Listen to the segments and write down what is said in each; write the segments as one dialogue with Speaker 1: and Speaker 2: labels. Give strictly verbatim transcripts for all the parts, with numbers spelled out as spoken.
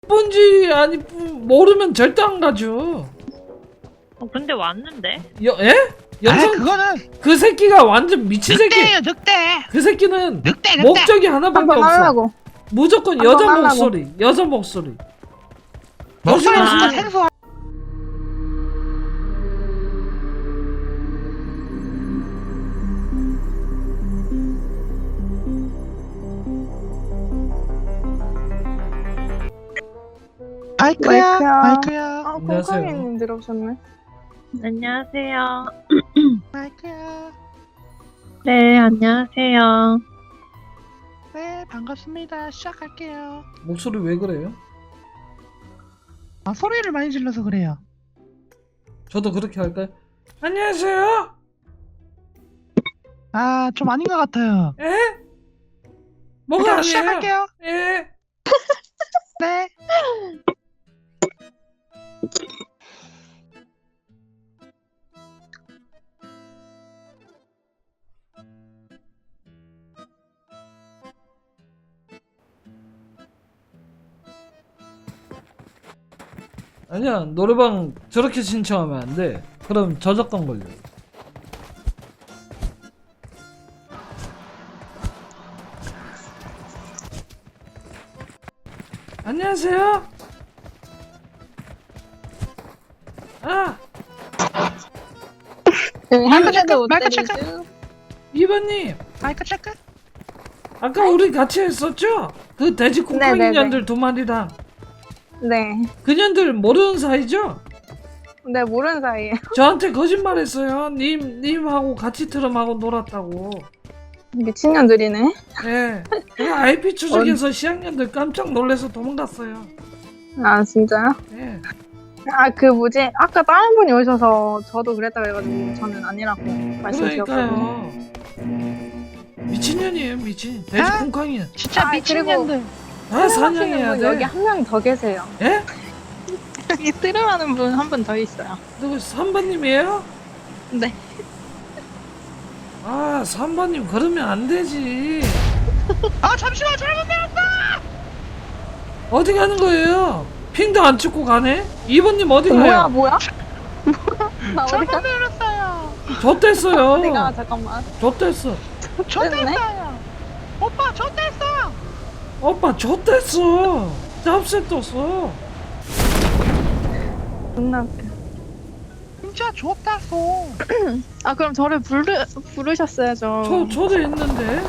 Speaker 1: 뭔지 아니 모르면 절대 안 가죠.
Speaker 2: 어, 근데 왔는데?
Speaker 1: 여, 예? 여성
Speaker 3: 아 그거는
Speaker 1: 그 새끼가 완전 미친 새끼.
Speaker 3: 늑대예요 늑대.
Speaker 1: 그 새끼는
Speaker 3: 늑대 늑대.
Speaker 1: 목적이 하나밖에
Speaker 4: 한번
Speaker 1: 없어.
Speaker 4: 하려고.
Speaker 1: 무조건
Speaker 4: 한번
Speaker 1: 여자
Speaker 4: 하려고.
Speaker 1: 목소리, 여자 목소리.
Speaker 3: 목소리
Speaker 2: 아.
Speaker 3: 진짜 생소한. 마이크야
Speaker 4: 마이크야.
Speaker 3: 마이크야
Speaker 4: 아,
Speaker 1: 안녕하세요.
Speaker 4: 콩콩이님 들어오셨네.
Speaker 2: 안녕하세요.
Speaker 3: 마이크야.
Speaker 2: 네, 안녕하세요.
Speaker 3: 네 반갑습니다. 시작할게요.
Speaker 1: 목소리 왜 그래요?
Speaker 3: 아 소리를 많이 질러서 그래요.
Speaker 1: 저도 그렇게 할까요? 안녕하세요.
Speaker 3: 아 좀 아닌 것 같아요.
Speaker 1: 예? 뭐가
Speaker 3: 일단
Speaker 1: 아니에요?
Speaker 3: 시작할게요.
Speaker 1: 예.
Speaker 3: 네.
Speaker 1: 아니야, 노래방 저렇게 신청하면 안 돼. 그럼 저작권 걸려. 안녕하세요. 아,
Speaker 4: 한 대도 못
Speaker 3: 마이크
Speaker 4: 때리죠.
Speaker 3: 체크.
Speaker 1: 이번님.
Speaker 3: 마이크 체크.
Speaker 1: 아까 우리 같이 했었죠? 그 돼지 콩콩이
Speaker 4: 네네네.
Speaker 1: 년들 두 마리랑.
Speaker 4: 네.
Speaker 1: 그년들 모르는 사이죠?
Speaker 4: 네, 모르는 사이에.
Speaker 1: 저한테 거짓말했어요. 님, 님하고 같이 트럼하고 놀았다고.
Speaker 4: 미친년들이네.
Speaker 1: 예. 그 아이피 추적해서 시학년들 깜짝 놀래서 도망갔어요.
Speaker 4: 아, 진짜요?
Speaker 1: 예.
Speaker 4: 아, 그 뭐지? 아까 다른 분이 오셔서 저도 그랬다고 해가지고 저는 아니라고 말씀드렸거든요.
Speaker 1: 그러니까요. 미친년이에요, 미친. 돼지
Speaker 3: 아?
Speaker 1: 콩콩이야.
Speaker 3: 진짜
Speaker 4: 아,
Speaker 3: 미친년들.
Speaker 1: 다
Speaker 4: 하시는
Speaker 1: 사냥해야
Speaker 4: 분
Speaker 1: 돼.
Speaker 4: 여기 한 명 더 계세요.
Speaker 1: 예?
Speaker 4: 여기 트름하는 분 한 분 더 있어요.
Speaker 1: 누구 삼 번님이에요?
Speaker 4: 네.
Speaker 1: 아, 삼 번님 그러면 안 되지.
Speaker 3: 아 잠시만 잘못 내렸다.
Speaker 1: 어디 가는 거예요? 핑도 안 찍고 가네? 이 번님 어디
Speaker 4: 뭐야,
Speaker 1: 가요?
Speaker 4: 뭐야? 나 어디
Speaker 3: 잘못
Speaker 4: 가?
Speaker 3: 내렸어요.
Speaker 1: 좆됐어요.
Speaker 4: 어디 가? 잠깐만.
Speaker 1: 좆됐어.
Speaker 3: 좆됐어요. 오빠 좆됐어.
Speaker 1: 오빠 좆됐어. 짭새 떴어.
Speaker 4: 존나 웃겨.
Speaker 3: 진짜 좆됐어.
Speaker 4: 아, 그럼 저를 부르, 부르셨어야죠.
Speaker 1: 저, 초대했는데.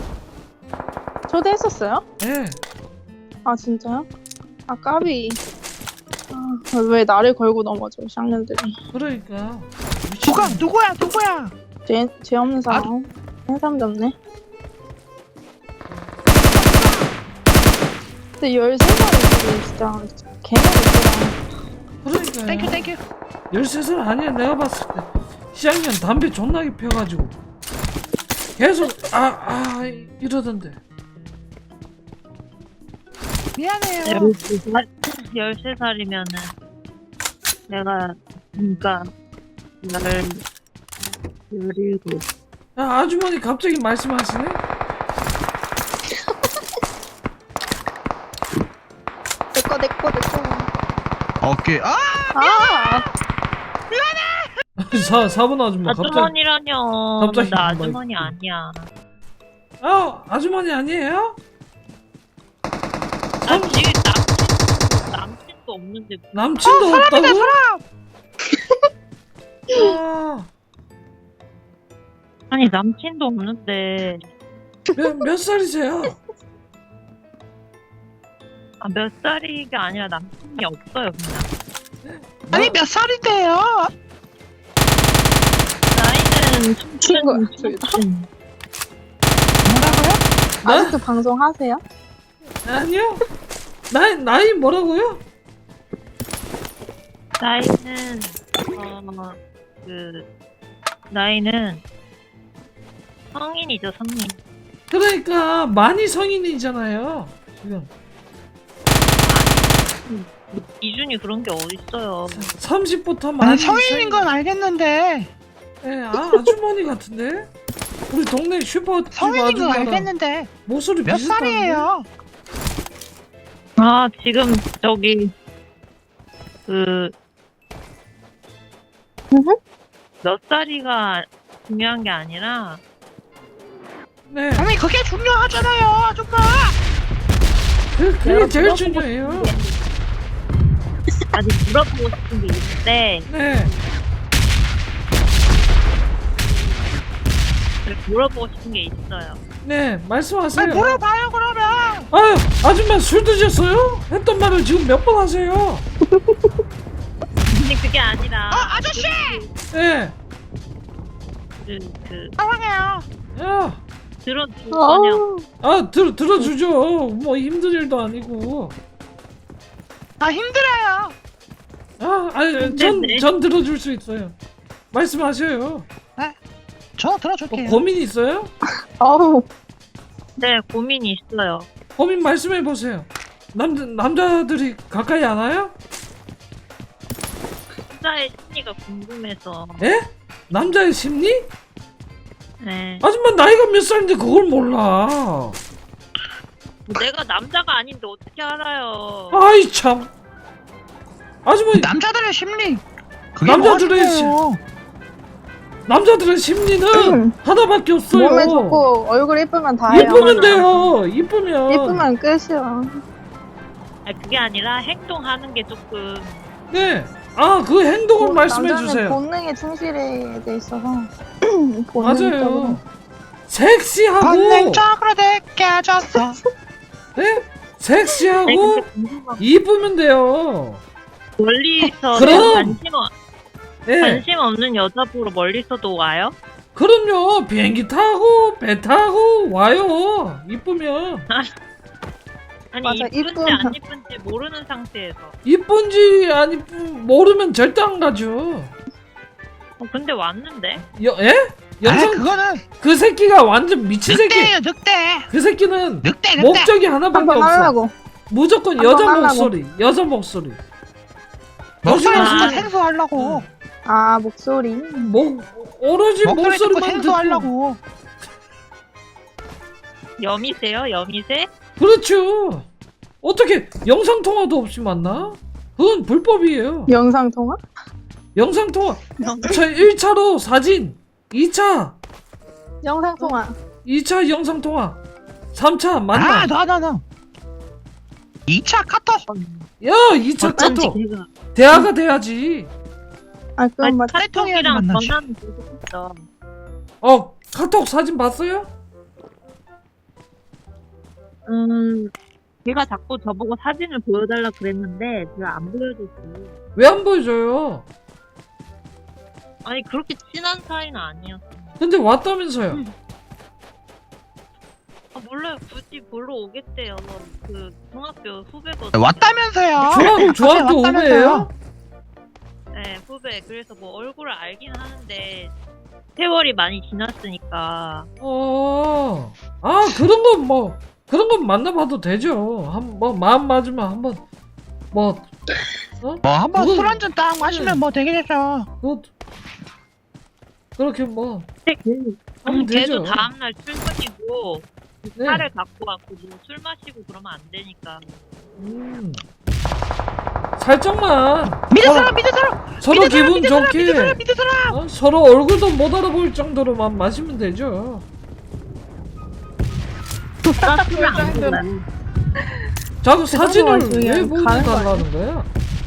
Speaker 4: 초대했었어요?
Speaker 1: 예.
Speaker 4: 아, 진짜요? 아, 까비. 아, 왜 나를 걸고 넘어져, 쌍년들이.
Speaker 1: 그러니까.
Speaker 3: 누가 누구야 누구야?
Speaker 4: 죄, 죄 없는 사람. 한 사람도 없네. 근데 열세 살이 진짜 개나
Speaker 1: 그러니까요.
Speaker 3: 땡큐 땡큐.
Speaker 1: 열세 살 아니야. 내가 봤을 때 시학년 담배 존나게 펴가지고 계속 아 아 이러던데.
Speaker 3: 미안해요.
Speaker 2: 열세 살? 열세 살이면은 내가 그러니까 열 열일곱.
Speaker 1: 아 아주머니 갑자기 말씀하시네.
Speaker 4: 내꺼, 내꺼, 내꺼.
Speaker 3: 오케이. 아
Speaker 4: 아!
Speaker 1: 사 사분 아줌마 갑자기.
Speaker 2: 아주머니라뇨.
Speaker 1: 갑자기
Speaker 2: 나
Speaker 1: 뭐
Speaker 2: 아주머니
Speaker 1: 있고.
Speaker 2: 아니야.
Speaker 1: 아 아주머니 아니에요?
Speaker 2: 나 지금 남친 남친도 없는데
Speaker 1: 남친도
Speaker 3: 어,
Speaker 1: 없다고?
Speaker 3: 사람이다 사람.
Speaker 1: 아,
Speaker 2: 아니 남친도 없는데
Speaker 1: 몇, 몇 살이세요?
Speaker 2: 아, 몇 살이가 아니라 남친이 없어요 그냥.
Speaker 3: 아니 몇 살인데요?
Speaker 2: 나이는
Speaker 4: 친구야,
Speaker 2: 청춘
Speaker 4: 저기다.
Speaker 2: 청춘.
Speaker 3: 뭐라고요?
Speaker 1: 나?
Speaker 4: 아직도 방송 하세요?
Speaker 1: 아니요. 나이 나이 뭐라고요?
Speaker 2: 나이는 어그 나이는 성인이죠 성인.
Speaker 1: 그러니까 많이 성인이잖아요. 지금
Speaker 2: 기준이 그런 게 어딨어요.
Speaker 1: 삼십부터 많이
Speaker 3: 아니 성인인 건 알겠는데
Speaker 1: 예, 아 아주머니 같은데? 우리 동네 슈퍼
Speaker 3: 성인인 건
Speaker 1: 아줌마랑
Speaker 3: 알겠는데
Speaker 1: 목소리
Speaker 3: 몇
Speaker 1: 비슷한데?
Speaker 3: 살이에요?
Speaker 2: 아, 지금 저기 그
Speaker 4: 음흠.
Speaker 2: 몇 살이가 중요한 게 아니라
Speaker 1: 네.
Speaker 3: 아니 그게 중요하잖아요 아줌마.
Speaker 1: 그, 그게
Speaker 2: 내가
Speaker 1: 제일
Speaker 2: 물어보고
Speaker 1: 중요해요.
Speaker 2: 싶은 게 아직 물어보고 싶은 게 있는데
Speaker 1: 네.
Speaker 2: 물어보고 싶은 게 있어요.
Speaker 1: 네. 말씀하세요.
Speaker 3: 아니 물어봐요 그러면.
Speaker 1: 아유, 아줌마 술 드셨어요? 했던 말을 지금 몇 번 하세요?
Speaker 2: 근데 그게 아니라
Speaker 3: 어 아저씨
Speaker 1: 네.
Speaker 2: 그, 그
Speaker 3: 사랑해요.
Speaker 1: 야,
Speaker 2: 들어줄 거냐?
Speaker 4: 어,
Speaker 1: 아, 들, 들어주죠. 뭐 힘든 일도 아니고.
Speaker 3: 아 힘들어요.
Speaker 1: 아, 아니, 전,
Speaker 2: 네.
Speaker 1: 전 들어줄 수 있어요. 말씀하세요.
Speaker 3: 저
Speaker 1: 뭐
Speaker 3: 들어줄게요.
Speaker 1: 고민 있어요?
Speaker 4: 어우,
Speaker 2: 네, 고민이 있어요.
Speaker 1: 고민 말씀해 보세요. 남 남자들이 가까이 안 와요?
Speaker 2: 남자의 심리가 궁금해서.
Speaker 1: 예? 남자의 심리?
Speaker 2: 네.
Speaker 1: 아줌마 나이가 몇 살인데 그걸 몰라.
Speaker 2: 내가 남자가 아닌데 어떻게 알아요?
Speaker 1: 아이 참. 아줌마
Speaker 3: 남자들의 심리. 그게
Speaker 1: 남자들의
Speaker 3: 뭐가 중요해요?
Speaker 1: 남자들의 심리는
Speaker 4: 음.
Speaker 1: 하나밖에 없어요.
Speaker 4: 몸에 좋고 얼굴 예쁘면 다예요.
Speaker 1: 이쁘면 돼요. 이쁘면.
Speaker 4: 예쁘면 끝이야.
Speaker 2: 아니, 그게 아니라 행동하는 게 조금
Speaker 1: 네. 아, 그 행동을
Speaker 4: 본-
Speaker 1: 말씀해
Speaker 4: 남자는
Speaker 1: 주세요.
Speaker 4: 본능에 충실해 돼 있어서 본능적으로.
Speaker 1: 맞아요. 섹시하고
Speaker 3: 본능적으로 느껴졌어.
Speaker 1: 네?
Speaker 2: 아니,
Speaker 1: 섹시하고
Speaker 2: 근데 궁금한
Speaker 1: 이쁘면 돼요.
Speaker 2: 멀리서
Speaker 1: 그럼!
Speaker 2: 관심, 어,
Speaker 1: 네.
Speaker 2: 관심 없는 여자 보러 멀리서도 와요?
Speaker 1: 그럼요. 비행기 타고 배 타고 와요. 이쁘면.
Speaker 2: 아니
Speaker 4: 맞아,
Speaker 2: 이쁜지
Speaker 4: 이쁘면.
Speaker 2: 안 이쁜지 모르는 상태에서.
Speaker 1: 이쁜지 안 이쁜 모르면 절대 안 가죠.
Speaker 2: 어, 근데 왔는데?
Speaker 1: 여, 예?
Speaker 3: 아
Speaker 1: 영상
Speaker 3: 그거는
Speaker 1: 그 새끼가 완전 미친 새끼.
Speaker 3: 늑대예요 늑대.
Speaker 1: 그 새끼는
Speaker 3: 늑대 늑대.
Speaker 1: 목적이 하나밖에
Speaker 4: 한번
Speaker 1: 없어.
Speaker 4: 하려고.
Speaker 1: 무조건
Speaker 4: 한번
Speaker 1: 여자
Speaker 4: 하려고.
Speaker 1: 목소리, 여자 목소리.
Speaker 3: 목소리
Speaker 2: 아.
Speaker 3: 듣고 생소하려고.
Speaker 4: 아 목소리.
Speaker 1: 목 오로지
Speaker 3: 목소리 듣고
Speaker 1: 목소리만 듣고.
Speaker 3: 생소하려고.
Speaker 2: 여미세요? 여미세?
Speaker 1: 그렇죠. 어떻게 영상 통화도 없이 만나? 그건 불법이에요.
Speaker 4: 영상 통화?
Speaker 1: 영상 통화. 저 일 차로 사진, 이 차,
Speaker 4: 영상 통화.
Speaker 1: 이 차 영상 통화, 삼 차 만나.
Speaker 3: 아너너 너. 이 차 카톡.
Speaker 1: 야, 이 차
Speaker 2: 어쩐지
Speaker 1: 카톡.
Speaker 2: 걔가
Speaker 1: 대화가 돼야지.
Speaker 4: 아 그건
Speaker 2: 아니,
Speaker 4: 맞.
Speaker 3: 카톡해야지
Speaker 2: 카톡이랑
Speaker 3: 만나지.
Speaker 2: 전화는 계속 했어.
Speaker 1: 어, 카톡 사진 봤어요?
Speaker 2: 음, 걔가 자꾸 저보고 사진을 보여달라 그랬는데 제가 안 보여줬어요.
Speaker 1: 왜 안 보여줘요?
Speaker 2: 아니 그렇게 친한 사이는 아니었어.
Speaker 1: 근데 왔다면서요.
Speaker 2: 음. 아 몰라요. 굳이 보러 오겠대요. 그 중학교 후배거든요.
Speaker 3: 왔다면서요.
Speaker 1: 중학 중학교
Speaker 3: 왔다면서요.
Speaker 1: 오배예요?
Speaker 2: 네, 후배. 그래서 뭐 얼굴을 알긴 하는데 세월이 많이 지났으니까.
Speaker 1: 어, 아 그런 건 뭐 그런 건 만나봐도 되죠. 한 뭐 마음 맞으면 한번 뭐
Speaker 3: 뭐 한번
Speaker 1: 그건-
Speaker 3: 술 한잔 딱 마시면 뭐 되겠죠.
Speaker 1: 그 그렇게 뭐
Speaker 2: 근데 걔-
Speaker 1: 하면 되죠.
Speaker 2: 걔도 다음날 출근이고
Speaker 1: 네.
Speaker 2: 차를 갖고 왔고 뭐 술 마시고 그러면 안 되니까.
Speaker 1: 음. 살짝만
Speaker 3: 믿을
Speaker 1: 서로,
Speaker 3: 사람 믿을 사람.
Speaker 1: 서로
Speaker 3: 믿을 사람,
Speaker 1: 기분
Speaker 3: 믿을 사람, 믿을
Speaker 1: 좋게
Speaker 3: 사람 믿을 사람.
Speaker 1: 어? 서로 얼굴도 못 알아볼 정도로만 마시면 되죠.
Speaker 2: 나 술을 안 먹어요.
Speaker 1: 자꾸 사진을
Speaker 4: 중에
Speaker 1: 왜
Speaker 4: 가는 거
Speaker 1: 보여달라는 거야?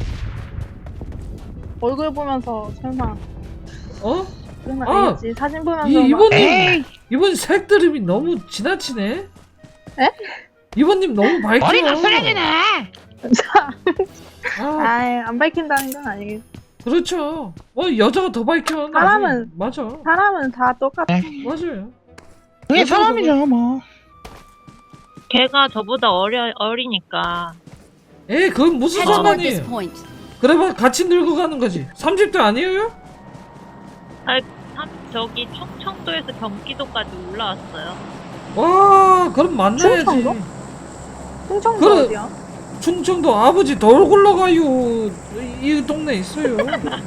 Speaker 4: 얼굴 보면서 설마
Speaker 1: 어?
Speaker 4: 그런 건
Speaker 1: 아,
Speaker 4: 아니겠지. 사진 보면서
Speaker 1: 이
Speaker 4: 막-
Speaker 1: 이번님
Speaker 3: 에이
Speaker 1: 이번 색드립이 너무 지나치네.
Speaker 4: 에?
Speaker 1: 이번님 너무 밝혀.
Speaker 3: 머리가 쓰레기네.
Speaker 1: 아,
Speaker 4: 아이 안 밝힌다는 건 아니겠지.
Speaker 1: 그렇죠. 어 여자가 더 밝혀. 나중에.
Speaker 4: 사람은-
Speaker 1: 맞아.
Speaker 4: 사람은 다 똑같아.
Speaker 1: 맞아요.
Speaker 3: 그게 사람이죠 뭐.
Speaker 2: 걔가 저보다 어려 어리니까.
Speaker 1: 에이 그건 무슨
Speaker 5: Head toward
Speaker 1: 상관이에요.
Speaker 5: this point.
Speaker 1: 그래봐 같이 늙어가는 거지. 삼십 대 아니에요?
Speaker 2: 참 저기 충청도에서 경기도까지 올라왔어요.
Speaker 1: 와 그럼 만나야지.
Speaker 4: 충청도? 충청도
Speaker 1: 그래.
Speaker 4: 어디야?
Speaker 1: 충청도 아버지 돌 굴러가요. 이, 이 동네 있어요.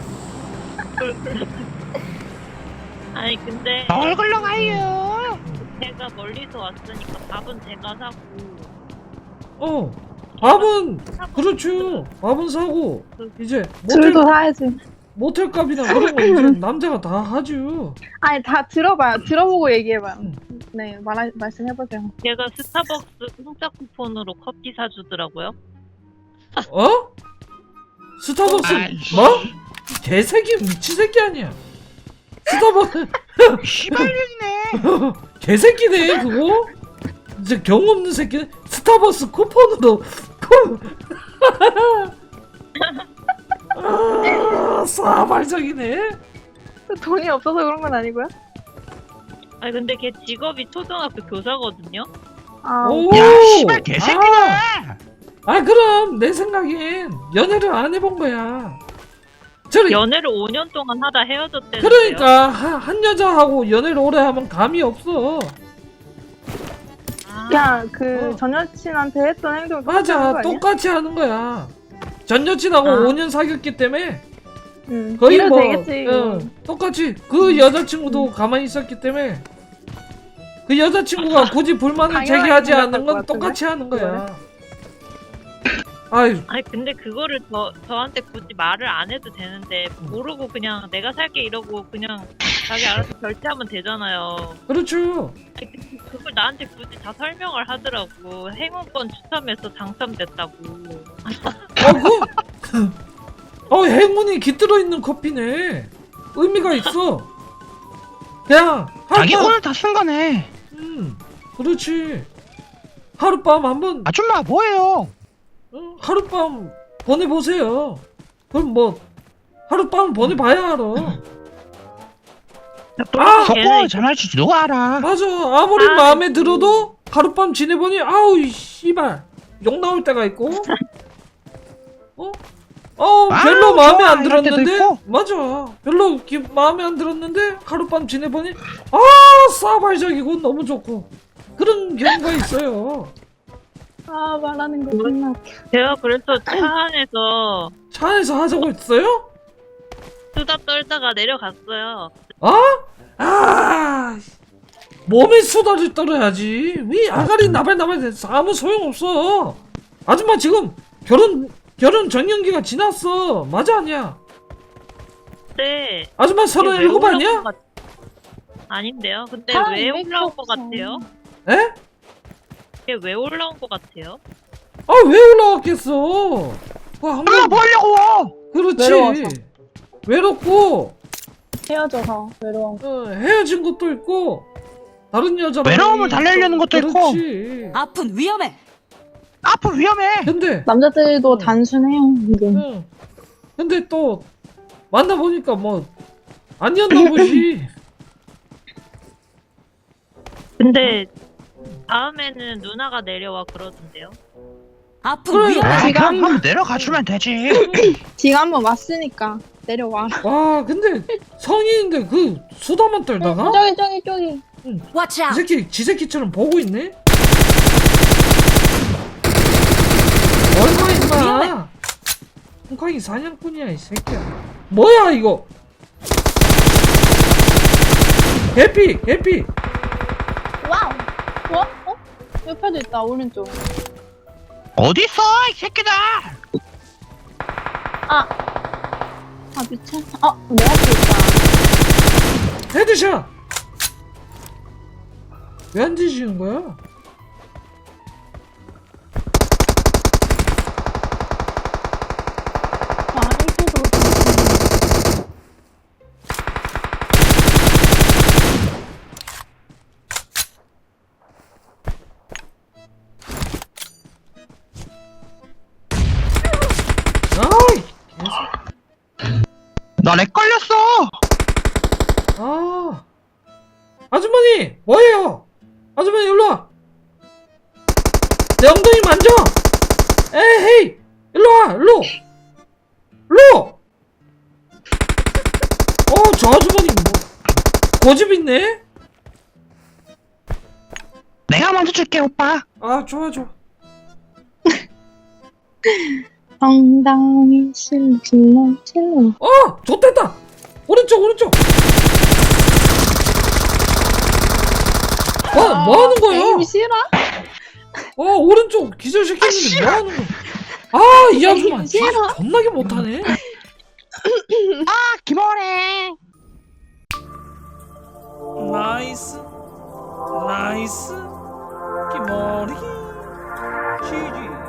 Speaker 2: 아니 근데
Speaker 3: 얼굴로 가요.
Speaker 2: 제가 멀리서 왔으니까 밥은 제가 사고
Speaker 1: 어. 밥은 그렇죠. 밥은 사고 이제 모텔
Speaker 4: 술도 사야지.
Speaker 1: 모텔 값이나 그런 거 이제 남자가 다 하죠.
Speaker 4: 아니 다 들어봐요. 들어보고 얘기해봐요.
Speaker 1: 음.
Speaker 4: 네 말, 말씀해보세요.
Speaker 2: 걔가 스타벅스 공짜 쿠폰으로 커피 사주더라고요.
Speaker 1: 어? 스타벅스
Speaker 3: 아이씨.
Speaker 1: 뭐? 개새끼 미친 새끼 아니야. 스타벅스
Speaker 3: 씨발년이네.
Speaker 1: 개새끼네 그거. 이제 경험 없는 새끼. 스타벅스 쿠폰으로 쿠. 아, 싸발적이네.
Speaker 4: 돈이 없어서 그런 건 아니고요?
Speaker 2: 아니 근데 걔 직업이 초등학교 교사거든요.
Speaker 4: 아
Speaker 1: 오.
Speaker 3: 야 씨발 개새끼네.
Speaker 1: 아, 아 그럼 내 생각엔 연애를 안 해본 거야. 저리
Speaker 2: 연애를 오 년 동안 하다 헤어졌대는데요.
Speaker 1: 그러니까 한, 한 여자하고 연애를 오래 하면 감이 없어.
Speaker 2: 아,
Speaker 4: 그냥 그
Speaker 1: 어.
Speaker 4: 전 여친한테 했던 행동을
Speaker 1: 맞아,
Speaker 4: 똑같이 하는 거 아니야?
Speaker 1: 똑같이 하는 거야. 전 여친하고
Speaker 4: 아.
Speaker 1: 오 년 사귀었기 때문에
Speaker 4: 응.
Speaker 1: 거의
Speaker 4: 이래도
Speaker 1: 뭐
Speaker 4: 되겠지.
Speaker 1: 응, 똑같이 그 여자친구도 가만히 있었기 때문에 그 여자친구가 굳이 불만을
Speaker 4: 당연하게
Speaker 1: 제기하지 않는
Speaker 4: 생각할
Speaker 1: 건
Speaker 4: 것 같은데?
Speaker 1: 똑같이 하는 거야. 아유,
Speaker 2: 아니 근데 그거를 저 저한테 굳이 말을 안 해도 되는데 모르고 그냥 내가 살게 이러고 그냥 자기 알아서 결제하면 되잖아요.
Speaker 1: 그렇죠.
Speaker 2: 아니, 그- 그걸 나한테 굳이 다 설명을 하더라고. 행운권 추첨해서 당첨됐다고.
Speaker 1: 어, 그, 어, 행운이 깃들어 있는 커피네. 의미가 있어. 그냥
Speaker 3: 자기
Speaker 1: 하룻밤,
Speaker 3: 오늘 다 쓴 거네.
Speaker 1: 음, 그렇지. 하룻밤 한번
Speaker 3: 아줌마 뭐예요?
Speaker 1: 응, 하룻밤 보내보세요. 그럼 뭐 하룻밤 보내봐야 알아. 아!
Speaker 3: 속고 전화할지 누가 알아?
Speaker 1: 맞아. 아무리
Speaker 2: 아,
Speaker 1: 마음에
Speaker 2: 음.
Speaker 1: 들어도 하룻밤 지내보니 아우 이 씨발 욕 나올 때가 있고 어? 어
Speaker 3: 아우,
Speaker 1: 별로 마음에
Speaker 3: 좋아,
Speaker 1: 안
Speaker 3: 이럴 때도
Speaker 1: 들었는데
Speaker 3: 있고.
Speaker 1: 맞아. 별로 기, 마음에 안 들었는데 하룻밤 지내보니 아 싸발적이고 너무 좋고 그런 경우가 있어요.
Speaker 4: 아 말하는 거 존나 웃겨.
Speaker 2: 제가 그래서 차 안에서
Speaker 1: 차 안에서 하자고 했어요?
Speaker 2: 수다 떨다가 내려갔어요.
Speaker 1: 어? 아 몸에 수다를 떨어야지. 왜 아가리 나발나발 됐어. 아무 소용없어. 아줌마 지금 결혼 결혼 정년기가 지났어. 맞아 아니야?
Speaker 2: 근데
Speaker 1: 아줌마 서른일곱
Speaker 2: 왜 올라온
Speaker 1: 아니야?
Speaker 2: 것 같- 아닌데요. 근데
Speaker 4: 사람이
Speaker 2: 왜
Speaker 4: 왜
Speaker 2: 올라온 것
Speaker 4: 그렇어.
Speaker 2: 같아요?
Speaker 1: 에?
Speaker 2: 이게 왜 올라온 것 같아요?
Speaker 1: 아 왜 올라왔겠어? 와, 한
Speaker 3: 아줌마
Speaker 1: 번,
Speaker 3: 뭐 하려고?
Speaker 1: 그렇지.
Speaker 4: 외로워서.
Speaker 1: 외롭고
Speaker 4: 헤어져서 외로워.
Speaker 1: 어, 헤어진 것도 있고 다른 여자랑
Speaker 3: 외로움을 달래려는 것도 있고.
Speaker 1: 그렇지.
Speaker 5: 아픈 위험해.
Speaker 3: 앞으로 위험해.
Speaker 1: 근데
Speaker 4: 남자들도
Speaker 1: 응.
Speaker 4: 단순해요. 이게.
Speaker 1: 응. 근데 또 만나보니까 뭐 아니었나 보지.
Speaker 2: 근데 다음에는 누나가 내려와 그러던데요.
Speaker 5: 아픈
Speaker 1: 그래.
Speaker 5: 위험해.
Speaker 3: 아,
Speaker 4: 지가
Speaker 3: 그럼
Speaker 4: 한번
Speaker 3: 한번 내려가 주면 되지.
Speaker 4: 지가 한번 왔으니까 내려와.
Speaker 1: 와 근데 성인인데 그 수다만 떨다가
Speaker 4: 저기 저기 저기.
Speaker 5: Watch
Speaker 1: 이
Speaker 5: out.
Speaker 1: 새끼 지 새끼처럼 보고 있네. 얼마 임마. 홍콩이 사냥꾼이야 이 새끼야. 뭐야 이거. 개피 개피.
Speaker 4: 와우. 뭐? 어? 옆에도 있다 오른쪽.
Speaker 3: 어디 있어 이 새끼들?
Speaker 4: 아. 아 미친. 아 내 앞에 있다.
Speaker 1: 헤드샷. 왜 안 뒤지는 거야?
Speaker 4: 아 이렇게도 그렇구나.
Speaker 1: 아이.
Speaker 3: 나 렉 걸렸어.
Speaker 1: 아. 아주머니 뭐예요? 아주머니 일로 와. 내 엉덩이 만져. 에헤이 일로 와 일로. 일로. 어 저 아주머니 뭐 고집 있네.
Speaker 3: 내가 먼저 줄게 오빠.
Speaker 1: 아 좋아 좋아.
Speaker 4: 엉덩이 실로 실로 실로.
Speaker 1: 어 좋댔다. 오른쪽 오른쪽. 뭐, 뭐 하는 거야?
Speaker 4: 에임 싫어?
Speaker 1: 어 오른쪽 기절시켰는데 뭐하는 거야? 아이 아줌마
Speaker 4: 에이, 싫어.
Speaker 1: 겁나게 못하네.
Speaker 3: 아 김어래.
Speaker 1: 나이스 나이스 기머리 지지